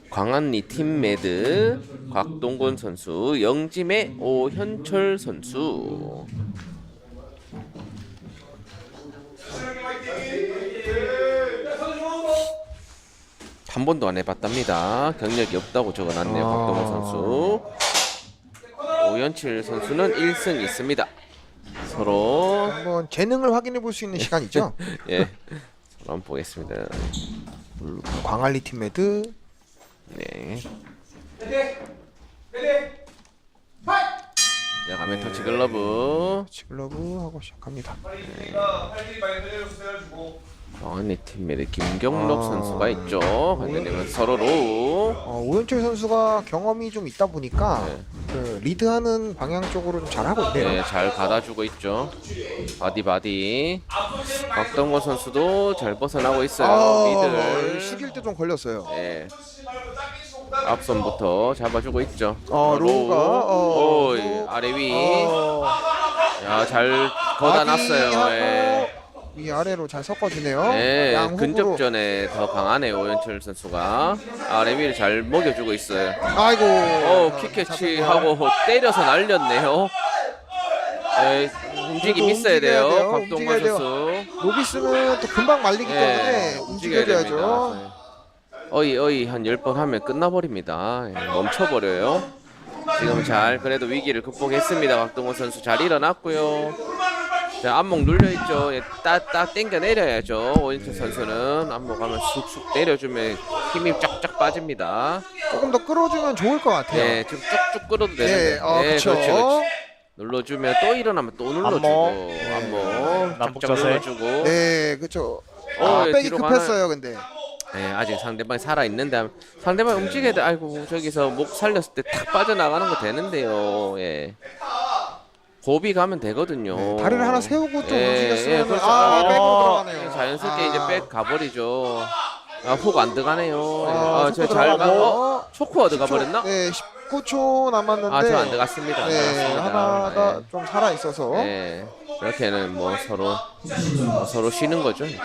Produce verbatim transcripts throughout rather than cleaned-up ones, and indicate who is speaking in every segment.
Speaker 1: 광안리 팀메드 곽동건 선수, 영짐의 오현철 선수. 한 번도 안 해봤답니다. 경력이 없다고 적어놨네요.
Speaker 2: 아...
Speaker 1: 곽동건 선수. 오현철 선수는 일 승 있습니다. 서로
Speaker 2: 한번 재능을 확인해 볼 수 있는 시간이죠.
Speaker 1: 예, 서로 한번 보겠습니다.
Speaker 2: 광안리 팀메드.
Speaker 1: 네. 자, 가면 터치 글러브.
Speaker 2: 치글러브 하고 시작합니다.
Speaker 1: 네. 광안리 팀메드 김경록
Speaker 2: 아...
Speaker 1: 선수가 있죠. 관련되면 서로 로우.
Speaker 2: 어, 오현철 선수가 경험이 좀 있다 보니까
Speaker 1: 네.
Speaker 2: 그 리드하는 방향 쪽으로 좀 잘하고 있네요.
Speaker 1: 네, 잘 받아주고 있죠. 바디 바디. 곽동건 선수도 잘 벗어나고 있어요.
Speaker 2: 아,
Speaker 1: 미들.
Speaker 2: 숙일 때 좀 걸렸어요.
Speaker 1: 네. 앞선부터 잡아주고 있죠.
Speaker 2: 어, 로우가 어,
Speaker 1: 오,
Speaker 2: 로우.
Speaker 1: 아래 위.
Speaker 2: 어,
Speaker 1: 야, 잘 걷어놨어요.
Speaker 2: 바디하고
Speaker 1: 예.
Speaker 2: 위 아래로 잘 섞어주네요.
Speaker 1: 네,
Speaker 2: 양훅으로.
Speaker 1: 근접전에 더 강하네요. 오현철 선수가 아래 위를 잘 먹여주고 있어요.
Speaker 2: 아이고.
Speaker 1: 어, 킥캐치하고 때려서 날렸네요. 네, 움직임 있어야 돼요.
Speaker 2: 돼요.
Speaker 1: 곽동건
Speaker 2: 움직여야 돼요.
Speaker 1: 선수.
Speaker 2: 노비스는 또 금방 말리기
Speaker 1: 네,
Speaker 2: 때문에
Speaker 1: 움직여야
Speaker 2: 움직여줘야죠.
Speaker 1: 됩니다. 네. 어이 어이 한 열 번 하면 끝나버립니다. 예, 멈춰버려요. 지금 잘 그래도 위기를 극복했습니다. 곽동건 선수 잘 일어났고요. 자, 안목 눌려있죠. 예, 따딱 땡겨 내려야죠. 오현철 선수는 안목 하면 쑥쑥 내려주면 힘이 쫙쫙 빠집니다.
Speaker 2: 조금 더 끌어주면 좋을 것 같아요.
Speaker 1: 네, 지금 쭉쭉 끌어도 되는데.
Speaker 2: 네, 어,
Speaker 1: 네,
Speaker 2: 그쵸.
Speaker 1: 그렇지, 그렇지. 눌러주면 또 일어나면 또 눌러주고
Speaker 3: 안목.
Speaker 1: 안목
Speaker 3: 남북
Speaker 1: 쫙쫙
Speaker 3: 자세.
Speaker 1: 눌러주고.
Speaker 2: 네, 그렇죠.
Speaker 1: 어,
Speaker 2: 아,
Speaker 1: 예,
Speaker 2: 백이
Speaker 1: 뒤로
Speaker 2: 급했어요, 근데.
Speaker 1: 네, 아직 상대방이 살아있는데 상대방이 움직여야 돼. 아이고, 저기서 목 살렸을 때 탁 빠져나가는 거 되는데요. 예. 고비 가면 되거든요.
Speaker 2: 네, 다리를 하나 세우고 좀
Speaker 1: 예,
Speaker 2: 움직였으면
Speaker 1: 예, 그렇죠.
Speaker 2: 아,
Speaker 1: 아,
Speaker 2: 백으로 들어가네요.
Speaker 1: 자연스럽게
Speaker 2: 아.
Speaker 1: 이제 백 가버리죠. 아, 훅 안 들어가네요. 예.
Speaker 2: 아,
Speaker 1: 아,
Speaker 2: 초코
Speaker 1: 저잘 가.
Speaker 2: 들어가고.
Speaker 1: 어? 초코가 들어가버렸나?
Speaker 2: 네, 십구 초 남았는데.
Speaker 1: 아, 저 안 들어갔습니다. 안
Speaker 2: 네,
Speaker 1: 들어갔습니다.
Speaker 2: 하나가
Speaker 1: 예.
Speaker 2: 좀 살아 있어서.
Speaker 1: 네, 이렇게는 뭐 서로 뭐 서로 쉬는 거죠. 이제.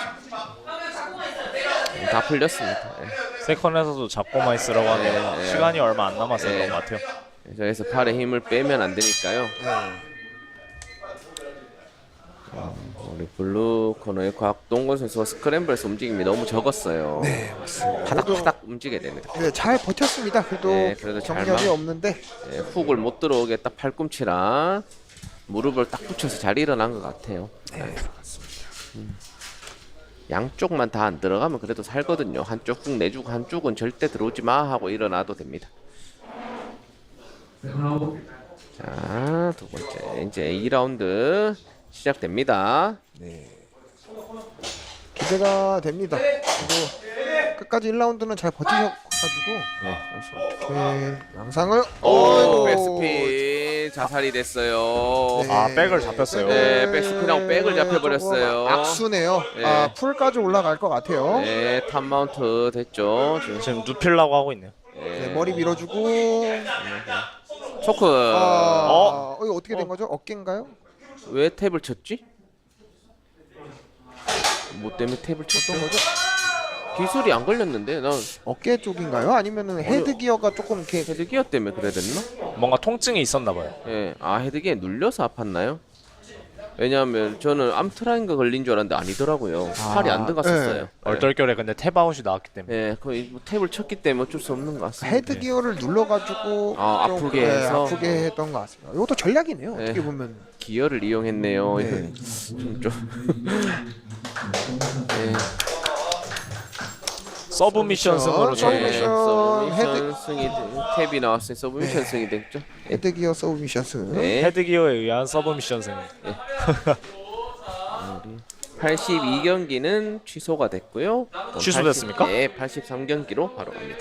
Speaker 1: 다 풀렸습니다. 예.
Speaker 3: 세컨에서도 잡고만 있으라고 하네요.
Speaker 1: 네, 네.
Speaker 3: 시간이 얼마 안 남아서
Speaker 1: 네.
Speaker 3: 그런 것 같아요.
Speaker 1: 저기서 팔에 힘을 빼면 안 되니까요.
Speaker 2: 네.
Speaker 1: 우리 블루 코너의 곽동건 선수가 스크램블에서 움직임이 너무 적었어요.
Speaker 2: 네, 맞습니다.
Speaker 1: 파닥파닥 움직여야 됩니다.
Speaker 2: 네, 잘 버텼습니다. 그래도,
Speaker 1: 네, 그래도 잘
Speaker 2: 경력이
Speaker 1: 막-
Speaker 2: 없는데.
Speaker 1: 네, 훅을 못 들어오게 딱 팔꿈치랑 무릎을 딱 붙여서 잘 일어난 것 같아요.
Speaker 2: 네, 맞습니다.
Speaker 1: 음. 양쪽만 다 안 들어가면 그래도 살거든요. 한쪽 훅 내주고 한쪽은 절대 들어오지 마 하고 일어나도 됩니다. 자, 두 번째 이제 이 라운드 시작됩니다.
Speaker 2: 네. 기대가 됩니다. 그리고 끝까지 일 라운드는 잘 버티셔가지고
Speaker 1: 네.
Speaker 2: 이렇게 양상을
Speaker 1: 오,
Speaker 2: 어이구.
Speaker 1: 백스핀 자살이 됐어요.
Speaker 2: 네.
Speaker 3: 아, 백을 잡혔어요.
Speaker 1: 네, 백스핀하고 백을 잡혀버렸어요.
Speaker 2: 조금 악수네요.
Speaker 1: 네.
Speaker 2: 아, 풀까지 올라갈 것 같아요. 네.
Speaker 1: 네, 탑 마운트 됐죠. 지금.
Speaker 3: 지금 눕히려고 하고 있네요.
Speaker 1: 네.
Speaker 2: 머리 밀어주고.
Speaker 1: 초크.
Speaker 2: 아,
Speaker 3: 어?
Speaker 2: 어? 이거 어떻게 된 거죠? 어깨인가요?
Speaker 1: 왜 탭을 쳤지? 뭐 때문에 탭을 쳤죠?
Speaker 2: 어떤 거죠?
Speaker 1: 기술이 안 걸렸는데 난
Speaker 2: 어깨 쪽인가요? 아니면은 헤드 기어가 조금 이렇게
Speaker 1: 헤드기어 때문에 그래야 됐나?
Speaker 3: 뭔가 통증이 있었나 봐요.
Speaker 1: 예, 아 헤드기어에 눌려서 아팠나요? 왜냐하면 저는 암트라인가 걸린 줄 알았는데 아니더라고요. 팔이 안 들어갔었어요.
Speaker 2: 네.
Speaker 1: 예.
Speaker 3: 얼떨결에 근데 탭아웃이 나왔기 때문에.
Speaker 1: 예, 거의 뭐 탭을 쳤기 때문에 어쩔 수 없는 것 같습니다.
Speaker 2: 헤드 기어를 눌러가지고
Speaker 1: 아,
Speaker 2: 좀,
Speaker 1: 아프게
Speaker 2: 네,
Speaker 1: 해서?
Speaker 2: 아프게 했던 것 같습니다. 이것도 전략이네요.
Speaker 1: 네.
Speaker 2: 어떻게 보면.
Speaker 1: 기어를 이용했네요.
Speaker 2: 네.
Speaker 1: 좀, 좀. 예.
Speaker 3: 서브미션 승으로
Speaker 2: 그렇죠.
Speaker 3: 저희
Speaker 2: 서브미션.
Speaker 1: 서브미션
Speaker 2: 헤드-
Speaker 1: 승이 돼- 탭이 나왔어요. 서브미션
Speaker 2: 네.
Speaker 1: 승이 됐죠.
Speaker 2: 헤드 기어 서브미션스.
Speaker 1: 네.
Speaker 3: 헤드기어에 의한 서브미션 승.
Speaker 1: 팔십이 경기는 취소가 됐고요. 또
Speaker 3: 취소됐습니까?
Speaker 1: 팔십, 네, 팔십삼 경기로 바로 갑니다.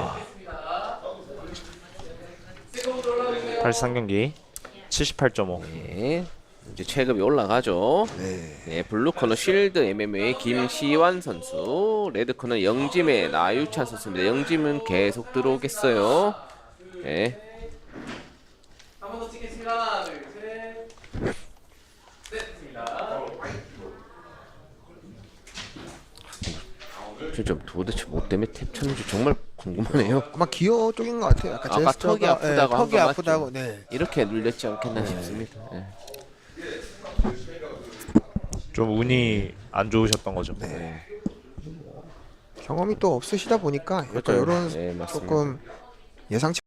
Speaker 3: 팔십삼 경기 칠십팔 점 오.
Speaker 1: 네. 이제 체급이 올라가죠.
Speaker 2: 네.
Speaker 1: 네, 블루 코너 쉴드 엠엠에이 김시환 선수, 레드 코너 영짐의 나유찬 선수입니다. 영짐은 계속 들어오겠어요. 네. 한번더 찍겠습니다. 하나, 둘, 셋. 진짜 도대체 뭐 때문에 탭 쳤는지 정말 궁금하네요.
Speaker 2: 아마 기어 쪽인 것 같아요. 약간
Speaker 1: 아까
Speaker 2: 제스처가,
Speaker 1: 턱이 아프다고
Speaker 2: 예,
Speaker 1: 한
Speaker 2: 턱이
Speaker 1: 거 맞죠?
Speaker 2: 아프다고. 네.
Speaker 1: 이렇게 눌렸지 않겠나 싶습니다. 예.
Speaker 3: 좀 운이 안 좋으셨던 거죠.
Speaker 2: 네. 경험이 또 없으시다 보니까 약간
Speaker 1: 그렇죠.
Speaker 2: 이런
Speaker 1: 네, 맞습니다.
Speaker 2: 조금 예상치